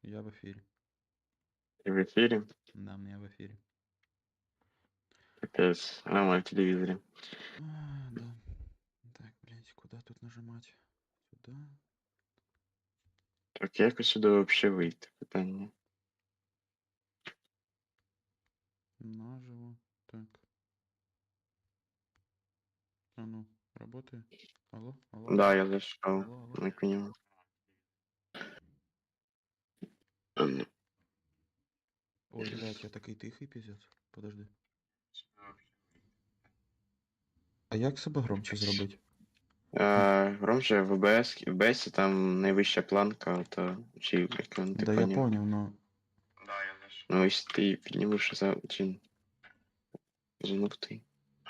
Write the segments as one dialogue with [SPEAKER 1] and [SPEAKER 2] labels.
[SPEAKER 1] Я в эфире.
[SPEAKER 2] Ты в эфире?
[SPEAKER 1] Да, я в эфире.
[SPEAKER 2] Капец, на моем телевизоре.
[SPEAKER 1] Да. Так, блядь, куда тут нажимать? Сюда.
[SPEAKER 2] Так як сюди вообще вийти? Питання.
[SPEAKER 1] Наживо. Так. А ну, работает? Алло, алло,
[SPEAKER 2] Да,
[SPEAKER 1] алло.
[SPEAKER 2] я зайшов.
[SPEAKER 1] Алло, алло.
[SPEAKER 2] Не понял. А, ну.
[SPEAKER 1] Ой, блядь, я такий тихий пиздец. Подожди. А як себе громче зробити?
[SPEAKER 2] Громче в ОБС там найвища планка, то чи як він, ти
[SPEAKER 1] Да я
[SPEAKER 2] поняв?
[SPEAKER 1] понял, но...
[SPEAKER 2] Ну, якщо ти піднімеш за чи зануктий.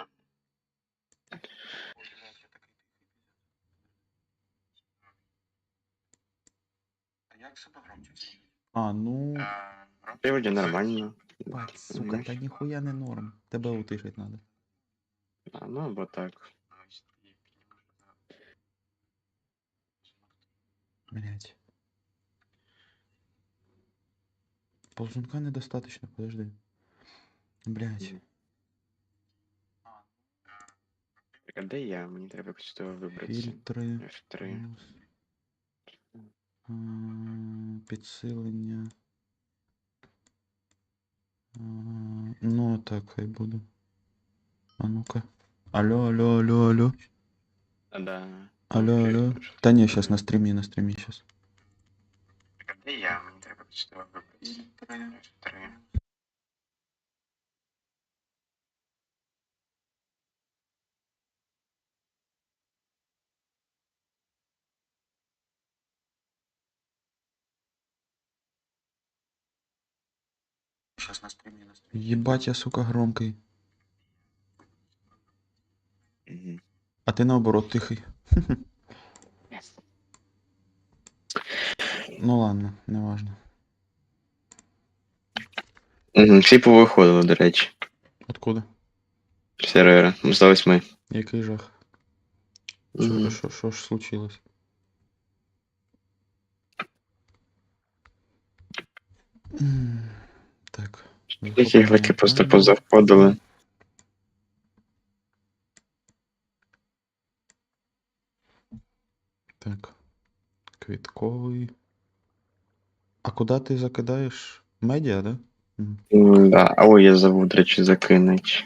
[SPEAKER 1] А, ну...
[SPEAKER 2] Приводі нормально.
[SPEAKER 1] Бать, сука, та ніхуя не норм. Тебе утишить надо.
[SPEAKER 2] А, ну або так.
[SPEAKER 1] Блять. Ползунка недостаточно, подожди. Блять.
[SPEAKER 2] А де я? Мені треба якось з того вибратися.
[SPEAKER 1] Фільтри.
[SPEAKER 2] F3.
[SPEAKER 1] Плюс. Підсилення. Ну, так хай буде. А ну-ка. Алло, алло, алло, алло.
[SPEAKER 2] Да.
[SPEAKER 1] Алло, алло. Та ні, сейчас на стримі сейчас.
[SPEAKER 2] Де я? Мені треба якось з того вибратися. F3.
[SPEAKER 1] Сейчас на стриме. Ебать, я, сука, громкий.
[SPEAKER 2] Угу.
[SPEAKER 1] А ти наоборот тихий. Ну ладно, неважно.
[SPEAKER 2] Угу. Всі повиходили, до речі.
[SPEAKER 1] Откуда?
[SPEAKER 2] Сервера. Здались ми.
[SPEAKER 1] Який жах?
[SPEAKER 2] Угу.
[SPEAKER 1] Що ж случилось? Так.
[SPEAKER 2] Які глеки просто позаходили.
[SPEAKER 1] Так. Квітковий. А куди ти закидаєш? Медіа, да?
[SPEAKER 2] Да. А ой, я забув, до речі, закинуть.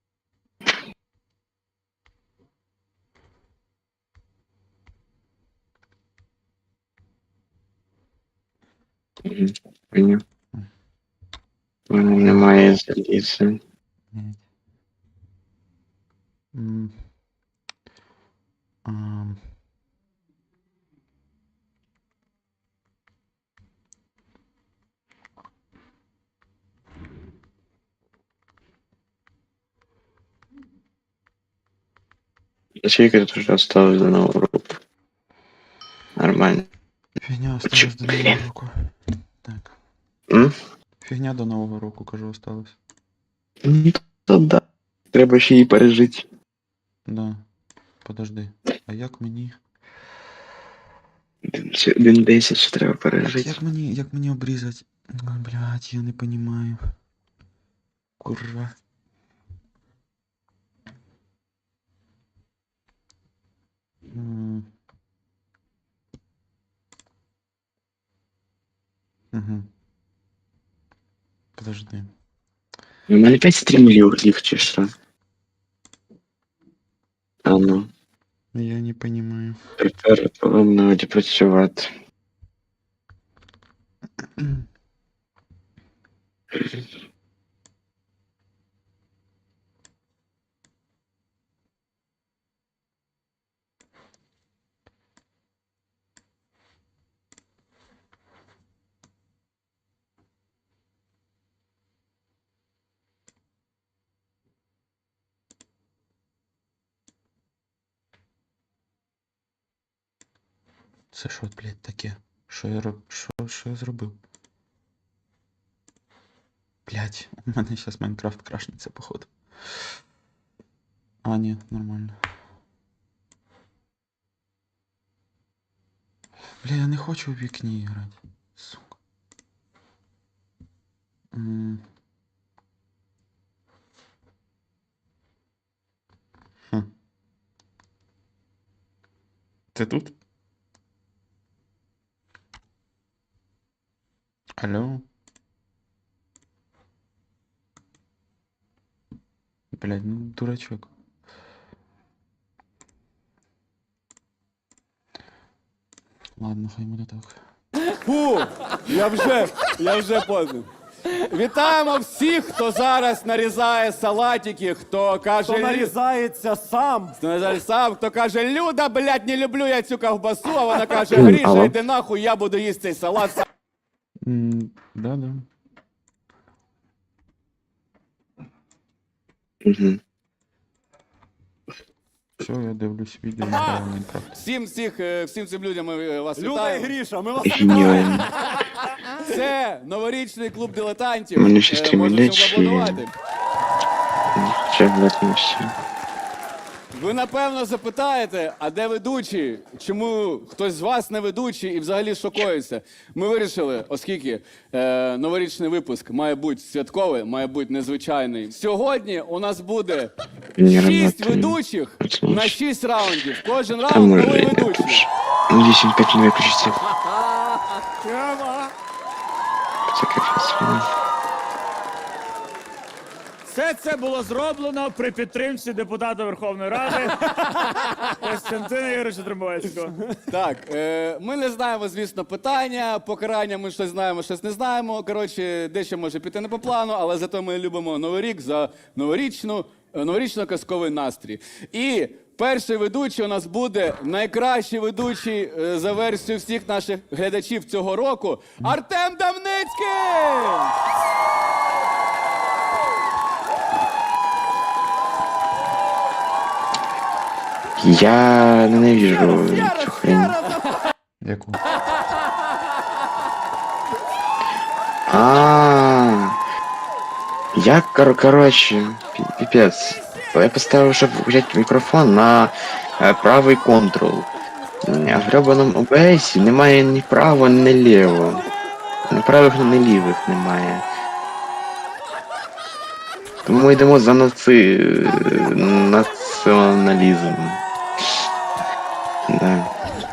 [SPEAKER 2] Поняв. У мене немає заліза. Скільки тут вже осталось до нового року? Нормально.
[SPEAKER 1] Фігня осталась до Нового року. Так. Фігня до Нового року, кажу, осталась.
[SPEAKER 2] То да. Треба ще її пережити.
[SPEAKER 1] Да. Подожди. А як мені?
[SPEAKER 2] 1.10 ще треба пережити.
[SPEAKER 1] Як мені обрізати? Блять, я не понимаю. Курва. Угу. Подожди.
[SPEAKER 2] У мене 5 стрімлів чи що? А ну.
[SPEAKER 1] Я не понимаю.
[SPEAKER 2] Тепер повинно працювати.
[SPEAKER 1] Це що, блядь, таке? Що я зробив? Блядь, у мене зараз Майнкрафт крашнеться, походу. А, ні, нормально. Бля, я не хочу в вікні грати. Сука. М. Хм. Ти тут? Алло? Блядь, ну дурачок. Ладно, хай буде так.
[SPEAKER 3] Фу, я вже поздно. Вітаємо всіх, хто зараз нарізає салатики, хто каже...
[SPEAKER 4] Хто нарізається сам.
[SPEAKER 3] Хто нарізає сам, хто каже, Люда, блядь, не люблю я цю ковбасу, а вона каже, Гріша,
[SPEAKER 2] Алло.
[SPEAKER 3] йди нахуй, я буду їсти цей салат.
[SPEAKER 1] Да-да.
[SPEAKER 2] Угу.
[SPEAKER 1] Все, я дивлюсь відео на Майнкрафт.
[SPEAKER 3] Всім цим людям ми вас
[SPEAKER 4] Люда і
[SPEAKER 3] вітаємо.
[SPEAKER 4] Гріша, ми вас
[SPEAKER 2] Геніально.
[SPEAKER 3] Це новорічний клуб дилетантів.
[SPEAKER 2] Мене ще стрімлять,
[SPEAKER 3] Можна
[SPEAKER 2] чи-
[SPEAKER 3] поаплодувати.
[SPEAKER 2] Ще владимирся.
[SPEAKER 3] Ви напевно запитаєте, а де ведучі? Чому хтось з вас не ведучий і взагалі шокується? Ми вирішили, оскільки новорічний випуск має бути святковий, має бути незвичайний. Сьогодні у нас буде
[SPEAKER 2] Не
[SPEAKER 3] 6
[SPEAKER 2] работает.
[SPEAKER 3] ведучих
[SPEAKER 2] Почему?
[SPEAKER 3] на 6 раундів. Кожен
[SPEAKER 2] Там
[SPEAKER 3] раунд
[SPEAKER 2] може
[SPEAKER 3] новий ведучий.
[SPEAKER 2] 10-5 не виключиться. Це капець.
[SPEAKER 5] Все це було зроблено при підтримці депутата Верховної Ради Костянтина Ігоровича Тримбовецького.
[SPEAKER 3] Так, ми не знаємо, звісно, питання, покарання ми щось знаємо, щось не знаємо. Коротше, дещо може піти не по плану, але зато ми любимо Новий рік за новорічно-казковий настрій. І перший ведучий у нас буде найкращий ведучий за версією всіх наших глядачів цього року Артем Дамницький!
[SPEAKER 2] Я ненавижу цю хрень.
[SPEAKER 1] Яку?
[SPEAKER 2] Я, короче, пипец. Я поставил, чтобы взять микрофон на правий контрол. А в гребаному ОБС немає ні право, ні ліво. Ні правих, ні лівих немає. Тому ми йдемо за націоналізм. Да,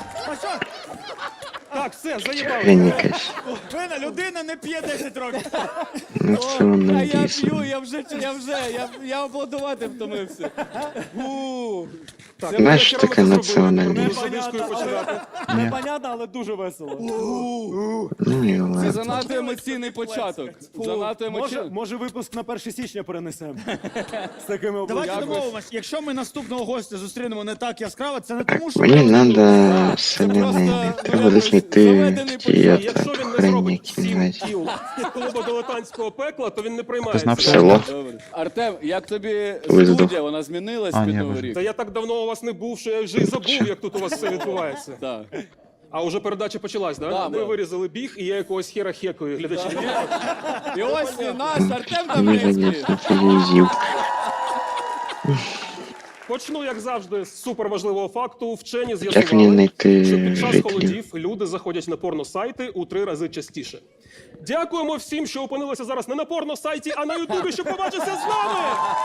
[SPEAKER 5] Так, все, заїбали.
[SPEAKER 2] хрень якась.
[SPEAKER 5] Вина людина не п'є 10 років.
[SPEAKER 3] А я
[SPEAKER 2] Націоналізм.
[SPEAKER 3] п'ю, я аплодувати втомився.
[SPEAKER 2] Знаєш, що таке націоналізм?
[SPEAKER 4] Непонятно, але дуже весело.
[SPEAKER 2] Ну і
[SPEAKER 3] Це
[SPEAKER 2] ладно.
[SPEAKER 3] занадто емоційний початок. Занадто емоційний.
[SPEAKER 4] Може випуск на 1 січня перенесемо. З такими
[SPEAKER 5] Давайте
[SPEAKER 4] обличчями.
[SPEAKER 5] домовимось, якщо ми наступного гостя зустрінемо не так яскраво, це не
[SPEAKER 2] Так,
[SPEAKER 5] тому, що
[SPEAKER 2] мені
[SPEAKER 5] ми
[SPEAKER 2] надо
[SPEAKER 3] просто,
[SPEAKER 2] соляне. Треба
[SPEAKER 3] якось
[SPEAKER 2] доснайти
[SPEAKER 3] заведений
[SPEAKER 2] ті
[SPEAKER 3] початок.
[SPEAKER 6] Якщо він не
[SPEAKER 2] хрень,
[SPEAKER 6] зробить
[SPEAKER 2] які
[SPEAKER 6] 7
[SPEAKER 2] знаєте.
[SPEAKER 6] кіл клубу дилетантського пекла, то він не
[SPEAKER 1] Ти знав
[SPEAKER 6] приймається.
[SPEAKER 2] Село.
[SPEAKER 3] Добре. Артем, як тобі
[SPEAKER 2] Ви
[SPEAKER 3] студія?
[SPEAKER 2] здох.
[SPEAKER 3] Вона змінилась
[SPEAKER 1] А,
[SPEAKER 3] під
[SPEAKER 1] ні,
[SPEAKER 3] Новий
[SPEAKER 1] ви-
[SPEAKER 3] рік?
[SPEAKER 6] Та я так давно у вас не був, що я вже й забув, як тут у вас все відбувається.
[SPEAKER 3] Так.
[SPEAKER 6] А уже передача почалась, да?
[SPEAKER 3] Да,
[SPEAKER 6] Ви
[SPEAKER 3] да.
[SPEAKER 6] вирізали біг, і я якогось хера хекаю глядачі.
[SPEAKER 3] І ось наш Артем
[SPEAKER 2] Мені
[SPEAKER 3] Дамницький.
[SPEAKER 2] не телевізів.
[SPEAKER 6] Почну, як завжди, з суперважливого факту. Вчені
[SPEAKER 2] Як мені
[SPEAKER 6] з'ясували,
[SPEAKER 2] знайти
[SPEAKER 6] що під час
[SPEAKER 2] жителів?
[SPEAKER 6] холодів люди заходять на порносайти у 3 рази частіше. Дякуємо всім, що опинилися зараз не на порносайті, а на Ютубі, щоб побачитися з нами!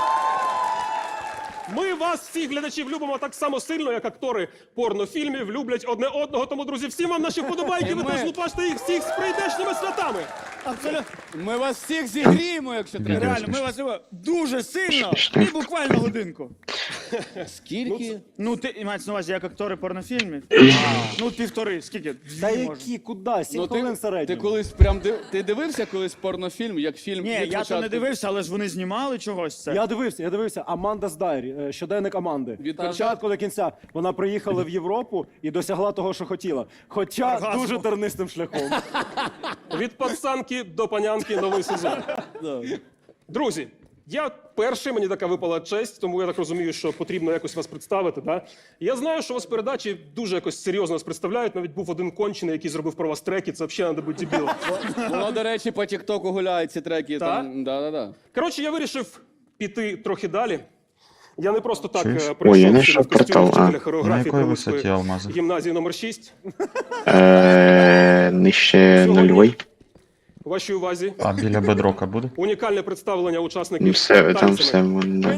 [SPEAKER 6] Ми вас, всіх глядачів, любимо так само сильно, як актори порнофільмів люблять одне одного. Тому, друзі, всім вам наші вподобайки, ви
[SPEAKER 3] Ми-
[SPEAKER 6] теж лупаште їх всіх з прийдешніми святами!
[SPEAKER 5] абсолютно
[SPEAKER 3] Ми вас всіх зігріємо, якщо треба.
[SPEAKER 5] реально, ми вас любимо дуже сильно
[SPEAKER 2] Смішно.
[SPEAKER 5] і буквально годинку.
[SPEAKER 3] Скільки?
[SPEAKER 5] Ну, ти мається на увазі, як актори порнофільмів? Ну, 1,5, скільки?
[SPEAKER 4] Та
[SPEAKER 5] Дві, може.
[SPEAKER 4] які, куди? 7 хвилин
[SPEAKER 3] ти
[SPEAKER 4] середньо.
[SPEAKER 3] колись прям ти дивився колись порнофільм, як фільм?
[SPEAKER 5] Ні,
[SPEAKER 3] від
[SPEAKER 5] я то
[SPEAKER 3] початку?
[SPEAKER 5] не дивився, але ж вони знімали чогось це.
[SPEAKER 4] Я дивився. Аманда's Diary, щоденник Аманди.
[SPEAKER 3] Від
[SPEAKER 4] Від початку до кінця. Вона приїхала в Європу і досягла того, що хотіла. Хоча
[SPEAKER 5] Оргазму.
[SPEAKER 4] дуже тернистим шляхом.
[SPEAKER 6] Від пацанки до панянки новий сезон. Друзі, я перший, мені така випала честь, тому я так розумію, що потрібно якось вас представити. Да? Я знаю, що вас передачі дуже якось серйозно вас представляють. Навіть був один кончений, який зробив про вас треки. Це взагалі треба бути дебілом.
[SPEAKER 3] Воно, до речі, по Тіктоку гуляють ці треки.
[SPEAKER 6] Так?
[SPEAKER 3] Там, да.
[SPEAKER 6] Коротше, я вирішив піти трохи далі. Я не просто так
[SPEAKER 1] Чуєш?
[SPEAKER 2] Ой, я
[SPEAKER 6] прийшов
[SPEAKER 2] знайшов
[SPEAKER 6] в костюмі
[SPEAKER 2] портал,
[SPEAKER 6] вчителя
[SPEAKER 2] а.
[SPEAKER 1] На
[SPEAKER 6] хореографії
[SPEAKER 1] якій висоті
[SPEAKER 6] Прилуцької
[SPEAKER 1] алмази?
[SPEAKER 6] гімназії номер 6.
[SPEAKER 2] Нижче нульовий.
[SPEAKER 6] Вашій увазі
[SPEAKER 1] А біля бедрока буде?
[SPEAKER 6] унікальне представлення учасників
[SPEAKER 2] Все, там
[SPEAKER 6] танцями.
[SPEAKER 2] все можна.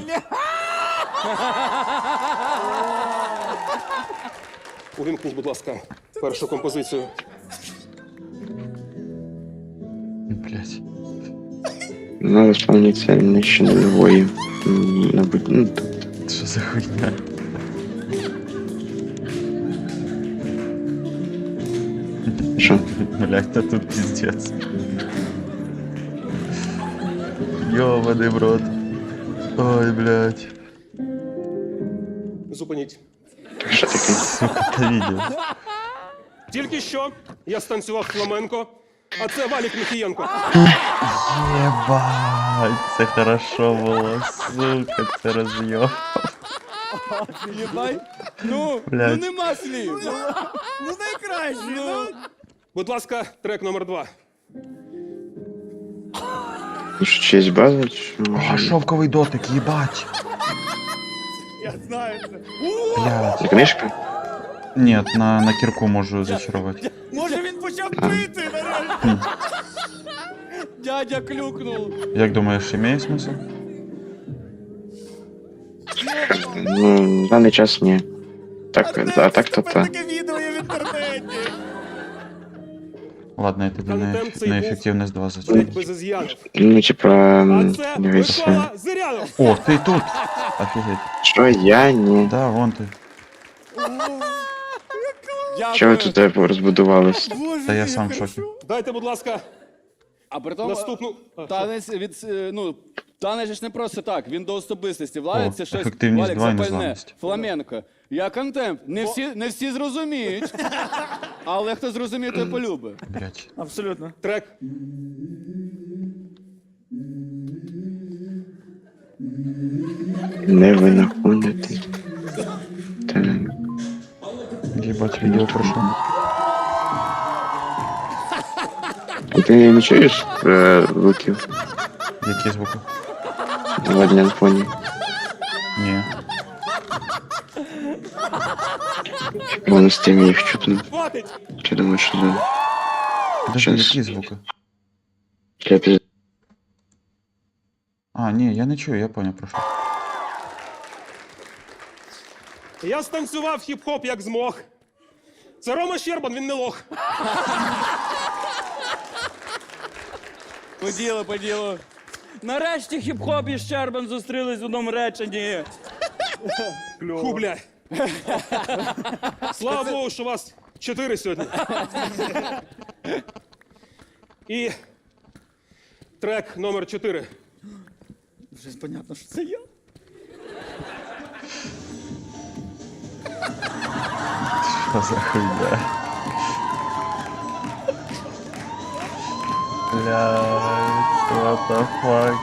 [SPEAKER 6] Увімкніть, будь ласка, першу композицію.
[SPEAKER 1] Блять.
[SPEAKER 2] Ну, исполнитель ще нулевой. Ну,
[SPEAKER 1] Що за хуйня?
[SPEAKER 2] що?
[SPEAKER 1] Блять, та тут пиздец. Ёбаный в рот. Ой, блять.
[SPEAKER 6] Зупиніть.
[SPEAKER 2] Що таке?
[SPEAKER 1] Сука, ты видел?
[SPEAKER 6] Тільки що я станцював фламенко, а це Валік Міхієнко.
[SPEAKER 1] Ебать, це хорошо було, сука, це роз'єб.
[SPEAKER 3] Єбай. Ну
[SPEAKER 1] Блядь.
[SPEAKER 3] нема слів.
[SPEAKER 5] Ну найкраще, ну.
[SPEAKER 6] Будь ласка, трек номер 2.
[SPEAKER 2] Ну, що, честь база, чи
[SPEAKER 1] А,
[SPEAKER 2] може?
[SPEAKER 1] шовковий дотик, їбать.
[SPEAKER 5] Я знаю це.
[SPEAKER 1] Блядь.
[SPEAKER 2] Це книжка?
[SPEAKER 1] Ні, на кірку можу зачарувати.
[SPEAKER 5] Може він почав пити нарешті.
[SPEAKER 3] Дядя клюкнув.
[SPEAKER 1] Як думаєш, имеє смисл?
[SPEAKER 2] Ну, в даний час ні. Так, а так то
[SPEAKER 5] Тепер
[SPEAKER 2] та.
[SPEAKER 5] таке відео є в інтернеті.
[SPEAKER 1] Ладно, я тобі
[SPEAKER 6] Контент цей
[SPEAKER 1] на
[SPEAKER 6] був
[SPEAKER 1] ефективність 2
[SPEAKER 6] Ледь
[SPEAKER 1] зачарую.
[SPEAKER 6] без із'янів.
[SPEAKER 2] Ну, типа,
[SPEAKER 6] А це
[SPEAKER 2] дивіться.
[SPEAKER 6] Микола Зирянов.
[SPEAKER 1] О, ти тут! Офігеть.
[SPEAKER 2] Що я ні?
[SPEAKER 1] Да, вон ти.
[SPEAKER 2] Чого ви тут розбудувались?
[SPEAKER 1] Та я сам в шокі.
[SPEAKER 6] Дайте, будь ласка,
[SPEAKER 3] А при тому
[SPEAKER 6] наступну.
[SPEAKER 3] танець танець ж не просто так, він до особистості. Владик
[SPEAKER 1] О,
[SPEAKER 3] це щось
[SPEAKER 1] ефективність
[SPEAKER 3] Валік,
[SPEAKER 1] 2 і
[SPEAKER 3] запальне,
[SPEAKER 1] незламність.
[SPEAKER 3] фламенко. Я контент. Не всі зрозуміють. Але хто зрозуміє, той полюбить.
[SPEAKER 1] Блять.
[SPEAKER 5] Абсолютно.
[SPEAKER 6] Трек.
[SPEAKER 2] Не винаходити. Так.
[SPEAKER 1] Їбать, відео пройшло.
[SPEAKER 2] Ти не чуєш звуків
[SPEAKER 1] Які звуки?
[SPEAKER 2] на дня фоні?
[SPEAKER 1] Ні.
[SPEAKER 2] Воно з тим їх чутно.
[SPEAKER 6] Хватить!
[SPEAKER 2] Чи думаєш, що за...
[SPEAKER 1] Подожди,
[SPEAKER 2] Щас.
[SPEAKER 1] які звуки?
[SPEAKER 2] Для піз...
[SPEAKER 1] А, ні, я не чую, я поняв, про що.
[SPEAKER 6] Я станцював хіп-хоп як змог. Це Рома Щербан, він не лох.
[SPEAKER 3] По ділу.
[SPEAKER 7] Нарешті хіп-хоп і Щербан зустрілись в одному реченні.
[SPEAKER 6] Ху, бля. Слава Богу, що вас 4 сьогодні. І трек номер 4.
[SPEAKER 5] Вже понятно, що це я.
[SPEAKER 1] Що за хуйня? Блядь, what the fuck?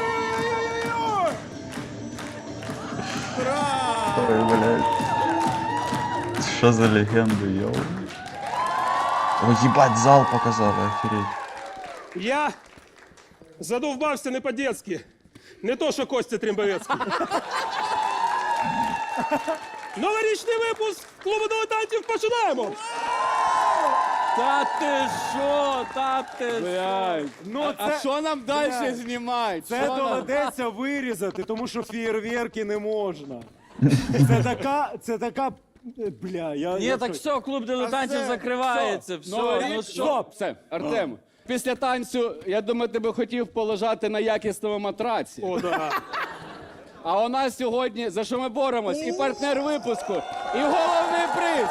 [SPEAKER 1] Ой, блядь. Що за легенда, йоу? О, їбать, зал показали, охереть.
[SPEAKER 6] Я задовбався не по-детськи. Не то, що Костя Трімбовецький. Новорічний випуск клубу дилетантів починаємо!
[SPEAKER 7] Та ти що? Та ти що?
[SPEAKER 3] Блядь.
[SPEAKER 4] Ну,
[SPEAKER 3] А
[SPEAKER 4] це,
[SPEAKER 3] що нам далі знімати?
[SPEAKER 4] це
[SPEAKER 3] Що нам?
[SPEAKER 4] доведеться вирізати, тому що фєєрверки не можна. Це така. Бля,
[SPEAKER 7] Ні,
[SPEAKER 4] я
[SPEAKER 7] так все, клуб дилетантів
[SPEAKER 4] все,
[SPEAKER 7] закривається. Все, ну що?
[SPEAKER 3] Стоп, все, Артем. Після танцю, я думаю, ти би хотів полежати на якісному матраці.
[SPEAKER 6] О, да.
[SPEAKER 3] А у нас сьогодні, за що ми боремось, і партнер випуску, і головний приз.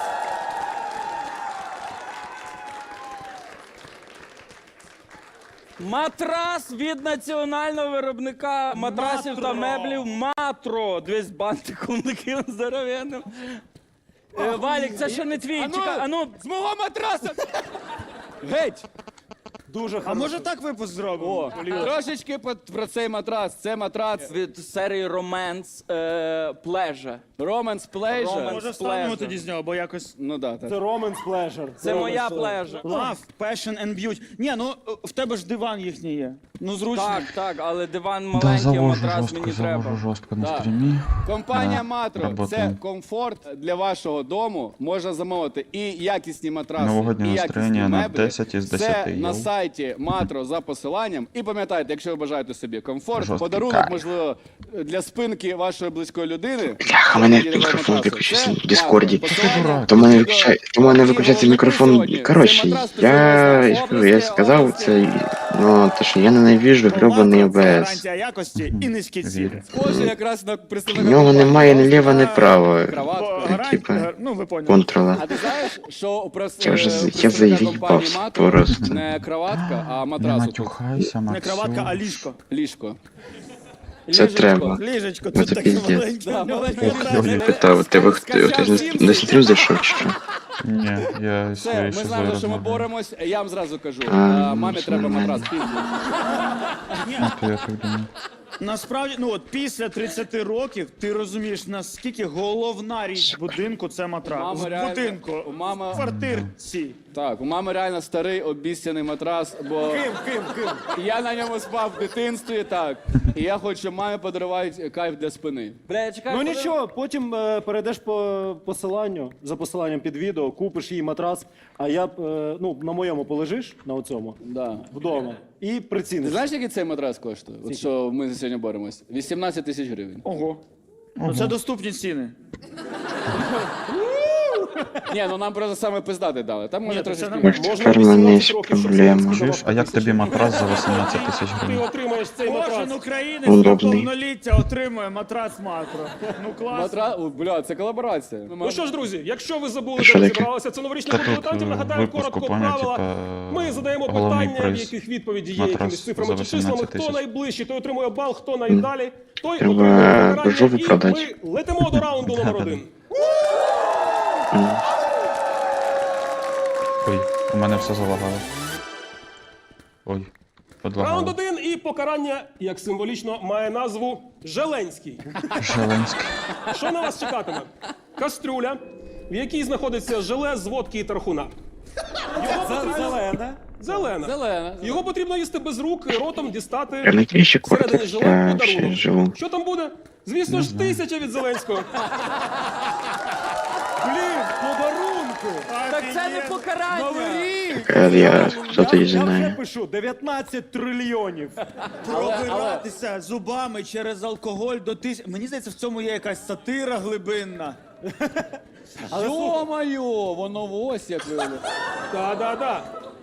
[SPEAKER 7] Матрас від національного виробника матрасів та меблів Матро. Дивись, бантиком таким здоровенним. Валік, це ще не твій. Чекай, а ну,
[SPEAKER 3] з мого матраса! Геть!
[SPEAKER 4] дуже
[SPEAKER 5] А
[SPEAKER 4] хороший.
[SPEAKER 5] може так випуск зробимо?
[SPEAKER 3] О, трошечки про цей матрас. Це матрац
[SPEAKER 7] від серії Romance Pleasure.
[SPEAKER 3] Romance Pleasure.
[SPEAKER 7] Romance.
[SPEAKER 5] Може встанемо
[SPEAKER 7] Pleasure.
[SPEAKER 5] тоді з нього, бо якось...
[SPEAKER 3] Ну да,
[SPEAKER 4] Це
[SPEAKER 3] так.
[SPEAKER 4] Romance Pleasure.
[SPEAKER 7] Це моя плежа.
[SPEAKER 5] Love, passion and beauty. Ні, ну в тебе ж диван їхній є. Ну зручно.
[SPEAKER 7] Так, так, але диван
[SPEAKER 1] Да,
[SPEAKER 7] маленький, а
[SPEAKER 1] завожу
[SPEAKER 7] матрас
[SPEAKER 1] жорстко,
[SPEAKER 7] мені
[SPEAKER 1] завожу
[SPEAKER 7] треба.
[SPEAKER 1] жорстко на
[SPEAKER 3] Да.
[SPEAKER 1] стрімі.
[SPEAKER 3] Компанія
[SPEAKER 1] Да,
[SPEAKER 3] Матро це
[SPEAKER 1] работаем.
[SPEAKER 3] комфорт для вашого дому. Можна замовити і якісні матраси,
[SPEAKER 1] Новогоднє
[SPEAKER 3] і якісні
[SPEAKER 1] настроєння на
[SPEAKER 3] меблі.
[SPEAKER 1] 10 із 10,
[SPEAKER 3] Це на
[SPEAKER 1] йоу.
[SPEAKER 3] сайті сайті Матро за посиланням. І пам'ятайте, якщо ви бажаєте собі комфорт,
[SPEAKER 1] Жорсткий
[SPEAKER 3] подарунок,
[SPEAKER 1] кайф.
[SPEAKER 3] можливо, для спинки вашої близької людини.
[SPEAKER 2] Бляха, мене
[SPEAKER 3] Це
[SPEAKER 2] мікрофон
[SPEAKER 3] матрас.
[SPEAKER 2] виключився
[SPEAKER 3] Це
[SPEAKER 2] в Діскорді.
[SPEAKER 3] Матро. Посилання
[SPEAKER 2] То в мене
[SPEAKER 3] відео.
[SPEAKER 2] виключається
[SPEAKER 3] І
[SPEAKER 2] мікрофон.
[SPEAKER 3] сьогодні.
[SPEAKER 2] Коротше,
[SPEAKER 3] Цей матрас
[SPEAKER 2] я
[SPEAKER 3] стосується
[SPEAKER 2] сказав
[SPEAKER 3] області.
[SPEAKER 2] це, ну, то що я ненавижу гребаний
[SPEAKER 5] Матро це
[SPEAKER 2] ОБС.
[SPEAKER 5] гарантія якості і низькі ціни.
[SPEAKER 1] Вірю.
[SPEAKER 3] Схоже якраз на
[SPEAKER 2] В
[SPEAKER 3] представника
[SPEAKER 2] нього
[SPEAKER 3] компанії.
[SPEAKER 2] немає ні ліва, ні права
[SPEAKER 3] Краватка.
[SPEAKER 2] типа,
[SPEAKER 5] Ну, ви поняли.
[SPEAKER 2] контрола.
[SPEAKER 3] А ти знаєш, що у
[SPEAKER 2] Я заїбав
[SPEAKER 3] Матро
[SPEAKER 2] просто.
[SPEAKER 3] не краватка, а
[SPEAKER 1] Не
[SPEAKER 3] матрас отут.
[SPEAKER 1] матюхайся,
[SPEAKER 5] Не
[SPEAKER 1] Максим.
[SPEAKER 5] краватка, а ліжко.
[SPEAKER 3] Ліжко.
[SPEAKER 2] Це треба.
[SPEAKER 5] Ліжечко,
[SPEAKER 2] Ну,
[SPEAKER 5] це
[SPEAKER 2] це
[SPEAKER 5] таке
[SPEAKER 2] піздець.
[SPEAKER 5] маленьке.
[SPEAKER 3] Да, маленьке.
[SPEAKER 2] Я не питав, тебе хтось на стрім зайшов чи що?
[SPEAKER 1] Ні, я
[SPEAKER 3] Все,
[SPEAKER 1] своєю
[SPEAKER 3] ми
[SPEAKER 1] шизою
[SPEAKER 3] знаємо, що ми
[SPEAKER 1] розмовляю.
[SPEAKER 3] боремось. Я вам зразу кажу,
[SPEAKER 2] А,
[SPEAKER 3] мамі
[SPEAKER 2] ну,
[SPEAKER 3] треба
[SPEAKER 2] нормально.
[SPEAKER 3] матрас. Пізно.
[SPEAKER 1] Ну, то я так думаю.
[SPEAKER 5] Насправді, ну от після 30 років ти розумієш, наскільки головна річ будинку це матрас.
[SPEAKER 3] Мама
[SPEAKER 5] В
[SPEAKER 3] реально-
[SPEAKER 5] будинку,
[SPEAKER 3] у мами-
[SPEAKER 5] в квартирці.
[SPEAKER 3] Так, у мами реально старий обіцяний матрас, бо
[SPEAKER 4] Ким?
[SPEAKER 3] я на ньому спав в дитинстві, так. І я хочу, щоб мамі подарувати кайф для спини.
[SPEAKER 7] Бля, чекай.
[SPEAKER 4] Ну
[SPEAKER 7] коли-
[SPEAKER 4] нічого, потім перейдеш по посиланню, за посиланням під відео, купиш їй матрас, а я ну, на моєму полежиш, на оцьому,
[SPEAKER 3] Да.
[SPEAKER 4] вдома, і
[SPEAKER 3] Ти
[SPEAKER 4] приціниш.
[SPEAKER 3] знаєш, який цей матрас коштує? От що ми сьогодні боремось? 18 тисяч гривень.
[SPEAKER 5] Ого. Ну це доступні ціни.
[SPEAKER 3] Ні, ну нам просто саме пиздати дали. Там може
[SPEAKER 5] Ні,
[SPEAKER 3] трошки.
[SPEAKER 5] це нормально.
[SPEAKER 2] Може,
[SPEAKER 6] Можна
[SPEAKER 2] тепер в мене
[SPEAKER 6] 18
[SPEAKER 2] є
[SPEAKER 6] років, щоб
[SPEAKER 2] проблема.
[SPEAKER 6] Зеленський
[SPEAKER 1] Чуєш, а як тобі матрас за 18 тисяч
[SPEAKER 6] Ти
[SPEAKER 1] гривень?
[SPEAKER 6] отримаєш цей
[SPEAKER 5] Кожен
[SPEAKER 6] матрас.
[SPEAKER 5] українець на
[SPEAKER 2] Удобний.
[SPEAKER 5] повноліття отримує матрас Матро. Ну класно.
[SPEAKER 3] Матра... О, бля, це колаборація.
[SPEAKER 6] Ну що ж, друзі, якщо ви забули,
[SPEAKER 2] Що
[SPEAKER 6] де ми
[SPEAKER 2] таке?
[SPEAKER 6] зібралися, це новорічний
[SPEAKER 1] Та
[SPEAKER 6] клуб
[SPEAKER 1] тут,
[SPEAKER 6] дилетантів. Нагадаю
[SPEAKER 1] випуску,
[SPEAKER 6] коротко
[SPEAKER 1] поняв,
[SPEAKER 6] правила.
[SPEAKER 1] типа,
[SPEAKER 6] Ми задаємо
[SPEAKER 1] головний
[SPEAKER 6] питання, в
[SPEAKER 1] приз.
[SPEAKER 6] яких відповіді є
[SPEAKER 1] Матрас
[SPEAKER 6] якимись цифрами
[SPEAKER 1] за
[SPEAKER 6] чи числами.
[SPEAKER 1] 18
[SPEAKER 6] Хто
[SPEAKER 1] тисяч.
[SPEAKER 6] найближчий, той отримує бал, хто найдалі, той
[SPEAKER 2] Треба
[SPEAKER 6] отримує
[SPEAKER 2] жопу
[SPEAKER 6] покарання. І
[SPEAKER 2] продати.
[SPEAKER 6] ми летимо до раунду номер 1.
[SPEAKER 1] Ой, у мене все залагало. Ой,
[SPEAKER 6] Раунд
[SPEAKER 1] подлагало.
[SPEAKER 6] 1 і покарання, як символічно, має назву Желенський.
[SPEAKER 1] Желенський.
[SPEAKER 6] Що на вас чекатиме? Кастрюля, в якій знаходиться желе з водки і тархуна.
[SPEAKER 4] Зелена.
[SPEAKER 6] Зелена.
[SPEAKER 3] Зелена.
[SPEAKER 6] Його потрібно їсти без рук і ротом
[SPEAKER 2] Я
[SPEAKER 6] дістати
[SPEAKER 2] на кращий
[SPEAKER 6] всередині
[SPEAKER 2] квартир
[SPEAKER 6] желе
[SPEAKER 2] я ще
[SPEAKER 6] подарунок.
[SPEAKER 2] живу.
[SPEAKER 6] Що там буде? Звісно ж, 1000 від Зеленського.
[SPEAKER 4] Блін, подарунку!
[SPEAKER 7] Так це не покарання.
[SPEAKER 4] Новий рік!
[SPEAKER 2] Я що-то і
[SPEAKER 4] Я вже
[SPEAKER 2] знаю.
[SPEAKER 4] пишу 19 трильйонів.
[SPEAKER 5] Пробиратися зубами через алкоголь до тисяч. Мені здається, в цьому є якась сатира глибинна.
[SPEAKER 3] Йо-моє, воно ось як виявилося.
[SPEAKER 6] Да-да-да.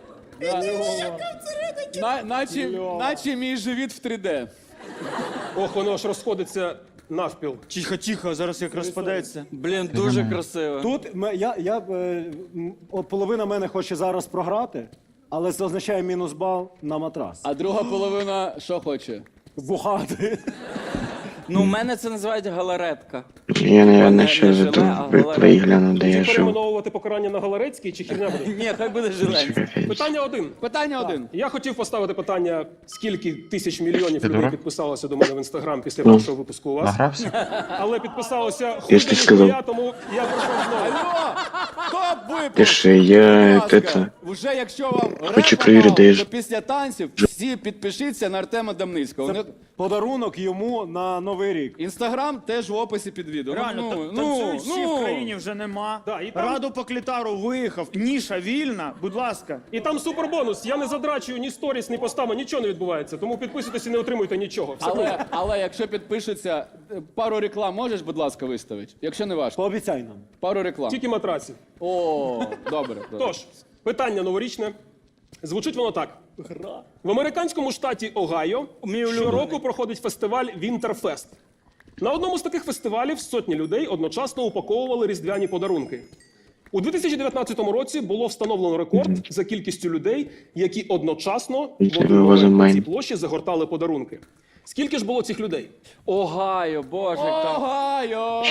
[SPEAKER 3] Наче мій живіт в 3D.
[SPEAKER 6] Ох, воно ж розходиться навпіл.
[SPEAKER 5] Тихо, тихо, зараз як розпадеться.
[SPEAKER 7] Блін, дуже красиво.
[SPEAKER 4] Тут половина мене хоче зараз програти, але це означає мінус бал на матрас.
[SPEAKER 3] А друга половина що хоче?
[SPEAKER 4] Бухати.
[SPEAKER 7] Ну, у мене це називають галаретка.
[SPEAKER 2] Я,
[SPEAKER 7] Не
[SPEAKER 2] наверное, ще
[SPEAKER 7] желе,
[SPEAKER 2] тут
[SPEAKER 7] а голова.
[SPEAKER 2] пригляну, де я
[SPEAKER 6] Чи
[SPEAKER 2] живу.
[SPEAKER 6] перейменовувати покарання на Галарецький, чи хірня буде?
[SPEAKER 7] Ні, хай буде Желенський.
[SPEAKER 6] Питання 1.
[SPEAKER 3] Питання 1.
[SPEAKER 6] Я хотів поставити питання, скільки тисяч мільйонів
[SPEAKER 1] Ти
[SPEAKER 6] людей
[SPEAKER 1] дурак?
[SPEAKER 6] підписалося до мене в інстаграм після першого випуску у вас.
[SPEAKER 1] Награвся?
[SPEAKER 6] Але підписалося
[SPEAKER 2] Я ж ти сказав.
[SPEAKER 6] хуй, тому я прийшов знову.
[SPEAKER 3] Алло! Топ випуск!
[SPEAKER 2] Пиши, я
[SPEAKER 3] Будь ласка,
[SPEAKER 2] это...
[SPEAKER 3] Вже якщо вам
[SPEAKER 2] Хочу
[SPEAKER 3] реп
[SPEAKER 2] перевірити,
[SPEAKER 3] мало,
[SPEAKER 2] де ж-
[SPEAKER 3] то після танців всі підпишіться на Артема Дамницького. У них
[SPEAKER 4] Подарунок йому на Новий рік.
[SPEAKER 3] Інстаграм теж в описі під відео.
[SPEAKER 5] Реально, танцюють всі в країні вже нема.
[SPEAKER 6] Да, і там-
[SPEAKER 5] Раду по клітару виїхав. Ніша вільна, будь ласка.
[SPEAKER 6] І там супербонус. Я не задрачую ні сторіс, ні постами, нічого не відбувається. Тому підписуйтесь і не отримуйте нічого. Все круто.
[SPEAKER 3] але якщо підпишуться, пару реклам можеш, будь ласка, виставити? Якщо не важко.
[SPEAKER 4] Пообіцяй нам.
[SPEAKER 3] Пару реклам.
[SPEAKER 6] Тільки матраців.
[SPEAKER 3] О, добре. добре.
[SPEAKER 6] Тож, питання новорічне. Звучить воно так. В американському штаті Огайо щороку проходить фестиваль Вінтерфест. На одному з таких фестивалів сотні людей одночасно упаковували різдвяні подарунки. У 2019 році було встановлено рекорд за кількістю людей, які одночасно в
[SPEAKER 2] Нічого
[SPEAKER 6] один момент на
[SPEAKER 2] розумію.
[SPEAKER 6] цій площі загортали подарунки. Скільки ж було цих людей?
[SPEAKER 7] Огайо, боже, як там.
[SPEAKER 3] Огайо!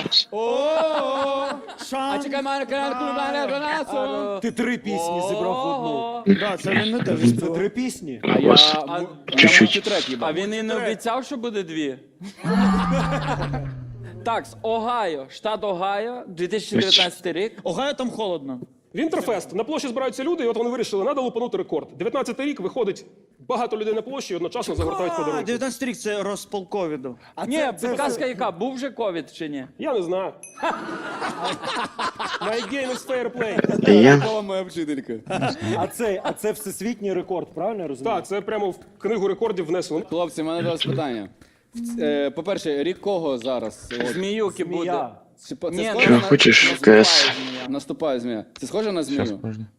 [SPEAKER 3] А чекай, мене канал.
[SPEAKER 4] Ти 3 пісні зібрав в одну.
[SPEAKER 5] Да, це він не те.
[SPEAKER 4] Це 3 пісні.
[SPEAKER 3] А я
[SPEAKER 2] Ось. Чуть-чуть.
[SPEAKER 3] трек їбав.
[SPEAKER 7] А він і не обіцяв, що буде 2. Так, Огайо, штат Огайо, 2019 рік.
[SPEAKER 5] Огайо там холодно.
[SPEAKER 6] Вінтерфест. На площі збираються люди, і от вони вирішили, треба лупанути рекорд. 19-й рік виходить багато людей на площі і одночасно загортають подарунки.
[SPEAKER 5] 19 рік це розпал ковіду.
[SPEAKER 7] Ні, підказка яка? Був вже ковід чи ні?
[SPEAKER 6] Я не знаю. My game is fair play.
[SPEAKER 2] Це я.
[SPEAKER 3] Мова моя вчителька.
[SPEAKER 4] А це всесвітній рекорд, правильно я розумію?
[SPEAKER 6] Так, це прямо в книгу рекордів внесено.
[SPEAKER 3] Хлопці, в мене до вас питання. По-перше, рік кого зараз? От,
[SPEAKER 7] Зміюки буде.
[SPEAKER 4] Змія.
[SPEAKER 3] це
[SPEAKER 7] Ні,
[SPEAKER 3] схоже
[SPEAKER 2] Чого
[SPEAKER 3] на-
[SPEAKER 2] хочеш в
[SPEAKER 3] наступає
[SPEAKER 2] КС?
[SPEAKER 3] змія? Наступає змія. Це схоже на
[SPEAKER 1] Зараз,
[SPEAKER 3] змію?
[SPEAKER 1] подожди.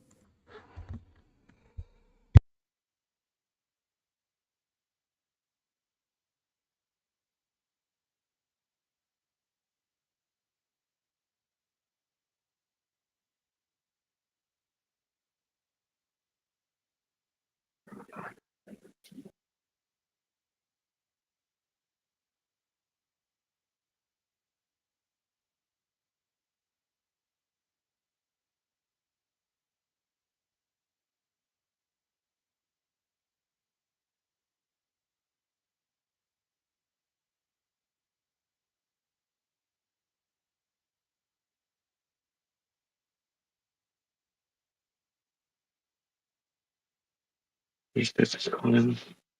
[SPEAKER 2] Є 30 хвилин.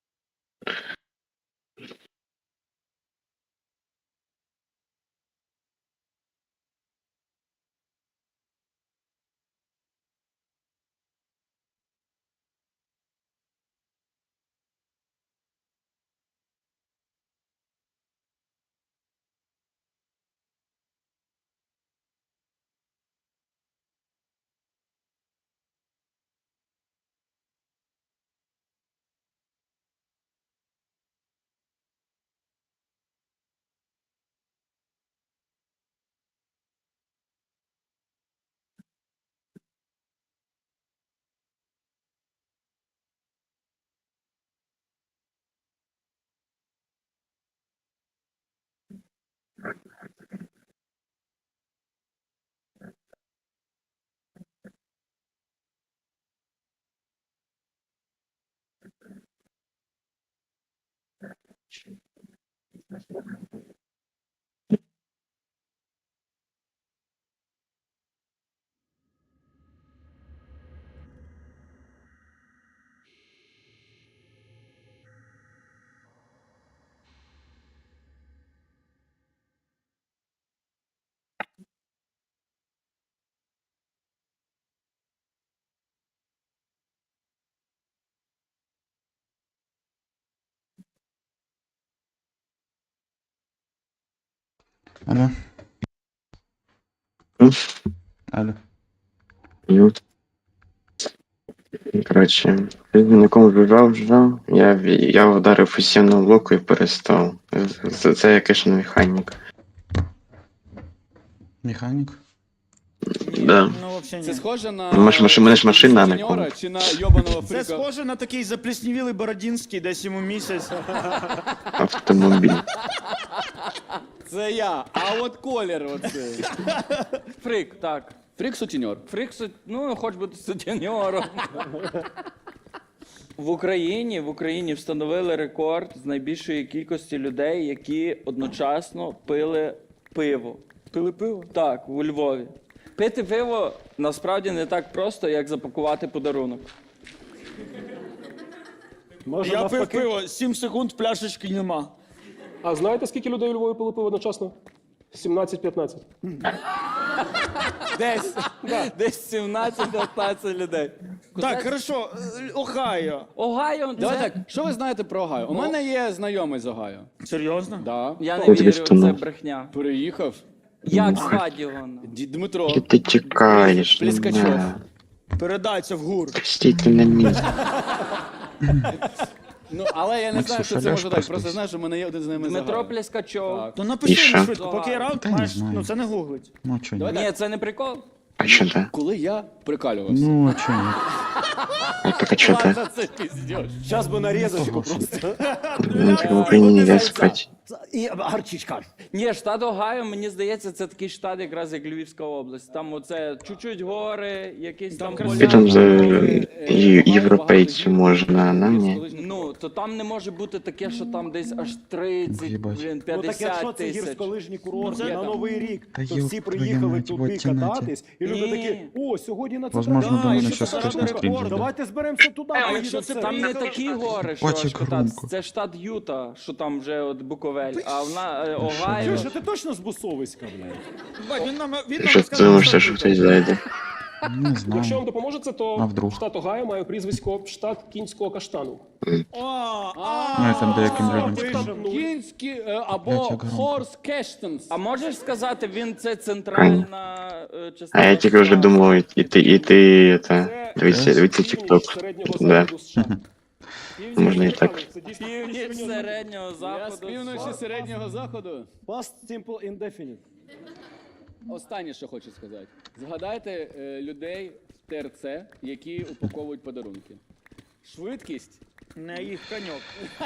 [SPEAKER 1] Алло.
[SPEAKER 2] М?
[SPEAKER 1] Алло.
[SPEAKER 2] Ют. Коротше, ти на кому жужжав, я вдарив у стіну блоку і перестав. Це якийсь механік.
[SPEAKER 1] Механік?
[SPEAKER 2] Да.
[SPEAKER 5] Ну, взагалі
[SPEAKER 3] Це
[SPEAKER 5] ні.
[SPEAKER 3] схоже на...
[SPEAKER 2] Мене ж машина, а не
[SPEAKER 3] сутеньора
[SPEAKER 2] комп.
[SPEAKER 3] чи на йобаного
[SPEAKER 5] Це
[SPEAKER 3] фріка?
[SPEAKER 5] схоже на такий запліснівілий Бородінський, десь йому місяць.
[SPEAKER 2] Автомобіль.
[SPEAKER 3] Це я. А от колір оцей.
[SPEAKER 7] Фрик, так.
[SPEAKER 3] Фрік сутіньор.
[SPEAKER 7] Фрик, ну, хоч бути сутеньором. В Україні встановили рекорд з найбільшої кількості людей, які одночасно пили пиво. Пили пиво? Так, у Львові. Пити пиво насправді не так просто, як запакувати подарунок.
[SPEAKER 4] Може,
[SPEAKER 5] Я пив
[SPEAKER 4] навпаки?
[SPEAKER 5] пиво, 7 секунд, пляшечки нема.
[SPEAKER 6] А знаєте, скільки людей у Львові пили пиво одночасно? 17-15.
[SPEAKER 7] Десь 17-15 людей.
[SPEAKER 5] Так, хорошо, Огайо.
[SPEAKER 7] Огайо,
[SPEAKER 3] Давай
[SPEAKER 7] це...
[SPEAKER 3] так, що ви знаєте про Огайо? У мене є знайомий з Огайо.
[SPEAKER 5] Серйозно?
[SPEAKER 3] Да.
[SPEAKER 7] Я не
[SPEAKER 2] Ой, тобі
[SPEAKER 7] вірю, це
[SPEAKER 2] втонув.
[SPEAKER 7] брехня.
[SPEAKER 3] Переїхав.
[SPEAKER 7] Як звати його?
[SPEAKER 3] Дмитро.
[SPEAKER 2] Що ти чекаєш?
[SPEAKER 3] Плескачов.
[SPEAKER 2] Не.
[SPEAKER 5] Передайся в гур.
[SPEAKER 2] Стійте на місці.
[SPEAKER 3] Ну, але я не знаю, що це
[SPEAKER 2] Соляш
[SPEAKER 3] може так.
[SPEAKER 2] просто
[SPEAKER 3] Просто знаю, що в мене є один знайомий з
[SPEAKER 7] Дмитро
[SPEAKER 3] Огайо.
[SPEAKER 7] Плескачов.
[SPEAKER 3] Так.
[SPEAKER 5] То
[SPEAKER 2] І
[SPEAKER 5] напиши
[SPEAKER 2] що?
[SPEAKER 5] мені швидко, поки я раунд,
[SPEAKER 1] Та не
[SPEAKER 5] маєш,
[SPEAKER 1] знаю.
[SPEAKER 5] ну це не гуглить.
[SPEAKER 1] Ну, а чо ні?
[SPEAKER 3] Давай
[SPEAKER 7] Ні, це не прикол.
[SPEAKER 2] А що це?
[SPEAKER 3] Коли я прикалювався.
[SPEAKER 1] Ну, а чо ні?
[SPEAKER 2] А так а що це?
[SPEAKER 3] Це піздєш.
[SPEAKER 4] Щас би нарізочку просто.
[SPEAKER 2] Ну, так в Україні нельзя спати.
[SPEAKER 4] І гарчичка.
[SPEAKER 7] Ні, штат Огайо, мені здається, це такий штат, якраз як Львівська область. Там оце чуть-чуть гори, якісь там
[SPEAKER 2] І там за європейцю можна, а нам ні.
[SPEAKER 7] Ну, то там не може бути таке, що там десь аж 30,
[SPEAKER 1] Їбать.
[SPEAKER 7] блін,
[SPEAKER 4] Ну так
[SPEAKER 7] 50
[SPEAKER 4] якщо це
[SPEAKER 7] тисяч.
[SPEAKER 4] гірськолижні курорти
[SPEAKER 3] Ну,
[SPEAKER 4] на
[SPEAKER 3] там.
[SPEAKER 4] Новий рік,
[SPEAKER 1] Та
[SPEAKER 4] то
[SPEAKER 1] ёб
[SPEAKER 4] всі
[SPEAKER 1] твою
[SPEAKER 4] приїхали
[SPEAKER 1] мать,
[SPEAKER 4] туди
[SPEAKER 1] вот тянете.
[SPEAKER 4] кататись, і люди
[SPEAKER 7] Ні.
[SPEAKER 4] такі, о, сьогодні на це
[SPEAKER 1] Возможно,
[SPEAKER 4] кататись,
[SPEAKER 1] до мене
[SPEAKER 4] що
[SPEAKER 1] щас
[SPEAKER 4] це
[SPEAKER 1] хтось на
[SPEAKER 4] таке?
[SPEAKER 1] стрім зайде.
[SPEAKER 4] Давайте зберемося туди,
[SPEAKER 7] А
[SPEAKER 4] поїдемо
[SPEAKER 7] якщо
[SPEAKER 4] це.
[SPEAKER 7] там не такі гори, що
[SPEAKER 1] Бачик
[SPEAKER 7] аж кататись.
[SPEAKER 1] громко.
[SPEAKER 7] Це штат Юта, що там вже от Буковель, а вона
[SPEAKER 4] Чуєш,
[SPEAKER 7] Огайо.
[SPEAKER 4] а ти точно з Бусовиська, блядь?
[SPEAKER 5] Бать, він нам
[SPEAKER 2] Що ти думаєш, що хтось зайде?
[SPEAKER 1] Не
[SPEAKER 6] Якщо вам
[SPEAKER 1] знаю.
[SPEAKER 6] допоможе це,
[SPEAKER 1] А
[SPEAKER 6] то
[SPEAKER 1] вдруг?
[SPEAKER 6] штат Огайо має прізвисько штат кінського каштану.
[SPEAKER 1] Ну, я там деяким людям
[SPEAKER 4] Пишем.
[SPEAKER 1] скажу.
[SPEAKER 3] Кінські
[SPEAKER 1] Блядь,
[SPEAKER 3] або
[SPEAKER 1] як громко.
[SPEAKER 3] Хорс Кештенс.
[SPEAKER 7] А можеш сказати, він це центральна частина?
[SPEAKER 2] А я тільки вже думав, і ти,
[SPEAKER 6] Це
[SPEAKER 2] дивіться
[SPEAKER 6] північ
[SPEAKER 2] тікток.
[SPEAKER 6] середнього
[SPEAKER 2] Да.
[SPEAKER 6] заходу США.
[SPEAKER 2] Можна і так.
[SPEAKER 6] Це дійсно
[SPEAKER 7] Північ середнього
[SPEAKER 3] Я з
[SPEAKER 7] заходу.
[SPEAKER 3] півночі середнього заходу.
[SPEAKER 4] Past simple indefinite.
[SPEAKER 3] Останнє, що хочу сказати. Згадайте людей в ТРЦ, які упаковують подарунки. Швидкість.
[SPEAKER 5] Не їх коньок.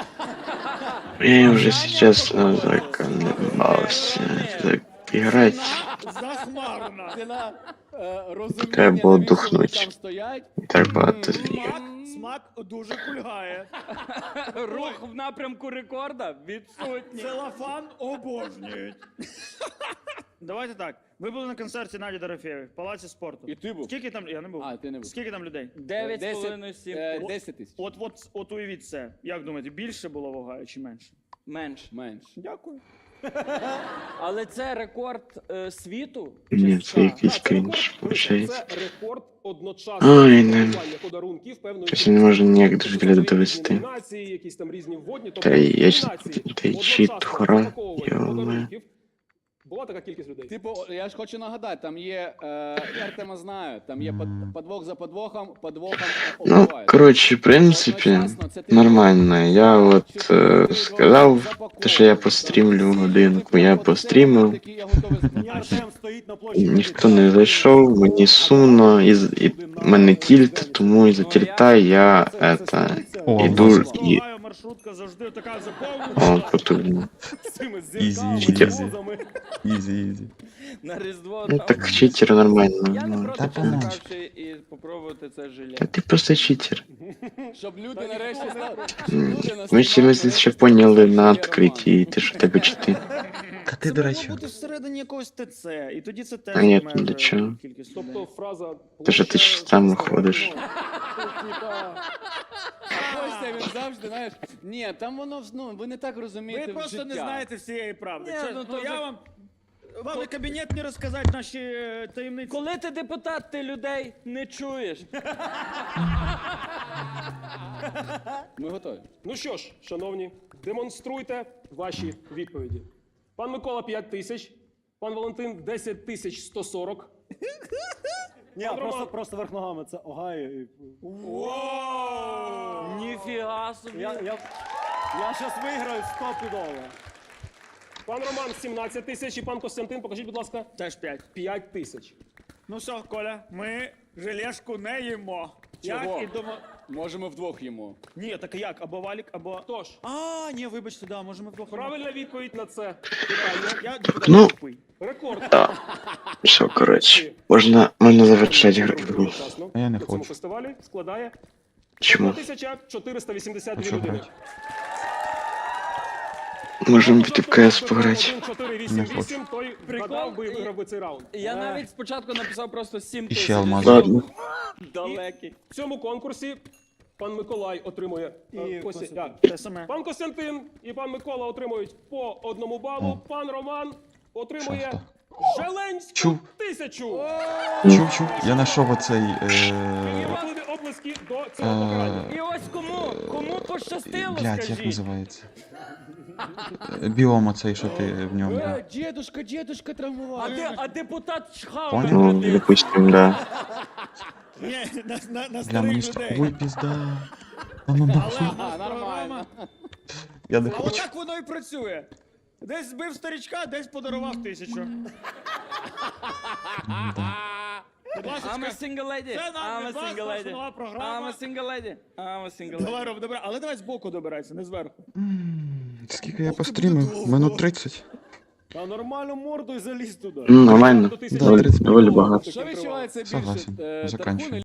[SPEAKER 2] Я уже сейчас заколебался так играть.
[SPEAKER 5] Захмарна.
[SPEAKER 3] Ціна розуміння,
[SPEAKER 2] Треба було
[SPEAKER 3] навіщо
[SPEAKER 2] духнуть.
[SPEAKER 3] вони там стоять.
[SPEAKER 2] И так багато.
[SPEAKER 5] Смак дуже кульгає.
[SPEAKER 7] Рух в напрямку рекорда відсутній.
[SPEAKER 5] Целофан обожнюють. Давайте так. Ви були на концерті Наді Дорофєєвої в Палаці спорту.
[SPEAKER 3] І ти був?
[SPEAKER 5] Скільки там, я не був.
[SPEAKER 3] А, ти не був.
[SPEAKER 5] Скільки там людей?
[SPEAKER 7] 9,5-7
[SPEAKER 3] 10 тисяч.
[SPEAKER 5] От уявіть це. Як думаєте, більше було в Огайо чи менше?
[SPEAKER 7] менше.
[SPEAKER 3] Менше.
[SPEAKER 5] Дякую.
[SPEAKER 7] Але це рекорд світу?
[SPEAKER 2] Ні,
[SPEAKER 7] Чи
[SPEAKER 2] це
[SPEAKER 7] США?
[SPEAKER 2] якийсь
[SPEAKER 6] Так, це
[SPEAKER 2] крінж,
[SPEAKER 6] рекорд.
[SPEAKER 2] виходить.
[SPEAKER 6] Це рекорд одночасного
[SPEAKER 2] Ой, не.
[SPEAKER 6] пакування подарунків певної
[SPEAKER 2] Щось я не можу ніяк до
[SPEAKER 6] Тобто
[SPEAKER 2] взгляду
[SPEAKER 6] різні
[SPEAKER 2] довести.
[SPEAKER 6] номінації, якісь там різні вводні.
[SPEAKER 2] Та й я ж-
[SPEAKER 6] номінації
[SPEAKER 2] та й чит,
[SPEAKER 6] одночасно
[SPEAKER 2] хора,
[SPEAKER 6] запаковування
[SPEAKER 2] йо-моє.
[SPEAKER 6] подарунків. Була така кількість людей.
[SPEAKER 3] Типу, я ж хочу нагадати, там є, я Артема знаю, там є подвох за подвохом
[SPEAKER 2] Ну,
[SPEAKER 3] убивають.
[SPEAKER 2] короче, в принципе, нормально. Я вот сказав, те, що я пострімлю годинку, я пострімив.
[SPEAKER 4] Мені Артем стоїть на площі.
[SPEAKER 2] Ніхто не зайшов, мені сумно, і мене тільт, тому із-за тільта я это,
[SPEAKER 1] О,
[SPEAKER 2] іду і...
[SPEAKER 5] Огайо маршрутка завжди така заповнена.
[SPEAKER 2] О, потужно.
[SPEAKER 4] З цими
[SPEAKER 1] Ізі,
[SPEAKER 4] зірками,
[SPEAKER 2] читер.
[SPEAKER 4] возами.
[SPEAKER 1] Ізі, ізі.
[SPEAKER 7] На Різдво
[SPEAKER 2] Ну
[SPEAKER 7] там.
[SPEAKER 2] так читер нормально.
[SPEAKER 7] Я не
[SPEAKER 2] Ну.
[SPEAKER 7] проти
[SPEAKER 1] Та помовч.
[SPEAKER 7] почекавши і попробувати це желе.
[SPEAKER 2] Та ти просто читер.
[SPEAKER 3] Щоб люди нарешті стали.
[SPEAKER 2] Ми ще ще поняли на відкритті, ти що тебе чити.
[SPEAKER 1] Та ти,
[SPEAKER 5] Це
[SPEAKER 1] до
[SPEAKER 5] могло
[SPEAKER 1] речі,
[SPEAKER 5] бути всередині якогось ТЦ, і тоді це теж
[SPEAKER 2] А ні,
[SPEAKER 5] займає
[SPEAKER 2] для
[SPEAKER 5] вже
[SPEAKER 2] чого?
[SPEAKER 5] кількість
[SPEAKER 6] Тобто
[SPEAKER 5] людей.
[SPEAKER 6] фраза...
[SPEAKER 2] Те, що ти ж сам ходиш.
[SPEAKER 3] Костя, він завжди, знаєш, ні, там воно, ну, ви не так розумієте
[SPEAKER 5] Ви просто не
[SPEAKER 3] життя.
[SPEAKER 5] знаєте всієї правди.
[SPEAKER 7] Ні,
[SPEAKER 5] Чесно,
[SPEAKER 7] ну, то
[SPEAKER 5] я
[SPEAKER 7] вже-
[SPEAKER 5] вам і кабінет не розказати наші таємниці.
[SPEAKER 7] Коли ти депутат, ти людей не чуєш.
[SPEAKER 3] Ми готові.
[SPEAKER 6] Ну що ж, шановні, демонструйте ваші відповіді. Пан Микола 5 тисяч, пан Валентин 10 тисяч 140.
[SPEAKER 4] Ні, просто верх ногами, це Огайо. і-
[SPEAKER 7] Ніфіга собі.
[SPEAKER 4] Я щас виграю 100 підола.
[SPEAKER 6] Пан Роман 17 тисяч і пан Костянтин, покажіть, будь ласка,
[SPEAKER 5] Теж 5.
[SPEAKER 6] 5 тисяч.
[SPEAKER 5] Ну все, Коля, ми желешку не їмо.
[SPEAKER 3] Чого?
[SPEAKER 5] Як і дома.
[SPEAKER 3] Можемо вдвох їмо.
[SPEAKER 5] Ні, так як? Або валік, або.
[SPEAKER 6] Тож,
[SPEAKER 5] А, ні, вибачте, да, можемо вдвох. їмо.
[SPEAKER 6] правильна відповідь на це питання.
[SPEAKER 5] Я депутат
[SPEAKER 2] Ну.
[SPEAKER 5] тупий.
[SPEAKER 6] Рекорд.
[SPEAKER 2] Все, коротше, можна завершати гру.
[SPEAKER 6] Одночасно
[SPEAKER 1] А я не
[SPEAKER 6] на цьому
[SPEAKER 1] хочу.
[SPEAKER 6] фестивалі складає
[SPEAKER 2] Чому?
[SPEAKER 6] 1482
[SPEAKER 1] А що
[SPEAKER 6] людини.
[SPEAKER 1] грати?
[SPEAKER 2] Можемо піти в КС пограти.
[SPEAKER 6] 1-4-8-8, той вгадав би і виграв би цей раунд.
[SPEAKER 7] Я навіть спочатку написав просто 7
[SPEAKER 1] І
[SPEAKER 7] тисяч.
[SPEAKER 1] ще алмаз.
[SPEAKER 2] Ладно.
[SPEAKER 7] Далекий.
[SPEAKER 6] В цьому конкурсі пан Миколай отримує
[SPEAKER 4] І
[SPEAKER 6] Костя-
[SPEAKER 4] Костянтин.
[SPEAKER 6] а,
[SPEAKER 5] Те саме.
[SPEAKER 6] пан Костянтин і пан Микола отримують по 1 балу. Пан Роман отримує
[SPEAKER 1] Шахта.
[SPEAKER 6] Желенську
[SPEAKER 1] Чув.
[SPEAKER 6] 1000.
[SPEAKER 1] Чув. Я знайшов оцей...
[SPEAKER 6] Важливі оплески до цього покарання.
[SPEAKER 7] І ось кому пощастило,
[SPEAKER 1] Блядь, як
[SPEAKER 7] скажіть.
[SPEAKER 1] називається? Біом оцей, що ти в ньому. да.
[SPEAKER 3] Дедушка травмував.
[SPEAKER 7] А депутат чхав
[SPEAKER 1] Понял?
[SPEAKER 7] на
[SPEAKER 2] Ну,
[SPEAKER 7] людей.
[SPEAKER 2] допустим, да.
[SPEAKER 5] Ні, на
[SPEAKER 1] Бля, мені
[SPEAKER 5] старих
[SPEAKER 1] ж... Ой,
[SPEAKER 5] людей.
[SPEAKER 1] пізда. Та ну нахуй.
[SPEAKER 3] А, нормально.
[SPEAKER 1] Я не
[SPEAKER 5] А
[SPEAKER 1] хочу.
[SPEAKER 5] отак воно і працює. Десь збив старичка, десь подарував 1000. Будь
[SPEAKER 7] I'm a
[SPEAKER 5] ласка,
[SPEAKER 7] single lady.
[SPEAKER 5] Це нам
[SPEAKER 7] I'm a
[SPEAKER 5] від вас
[SPEAKER 7] single
[SPEAKER 5] наша
[SPEAKER 7] lady.
[SPEAKER 5] нова програма.
[SPEAKER 7] I'm a single lady. I'm a single lady.
[SPEAKER 5] давай, Ром, добре, але давай збоку добирайся, не зверху.
[SPEAKER 1] Скільки я пострімив? Минут 30.
[SPEAKER 4] Та нормально мордою заліз туди.
[SPEAKER 2] Нормально.
[SPEAKER 6] До 1000.
[SPEAKER 2] Доволі багато.
[SPEAKER 3] Що відчувається більше?
[SPEAKER 1] Согласен.
[SPEAKER 3] Тархун
[SPEAKER 1] Заканчивай.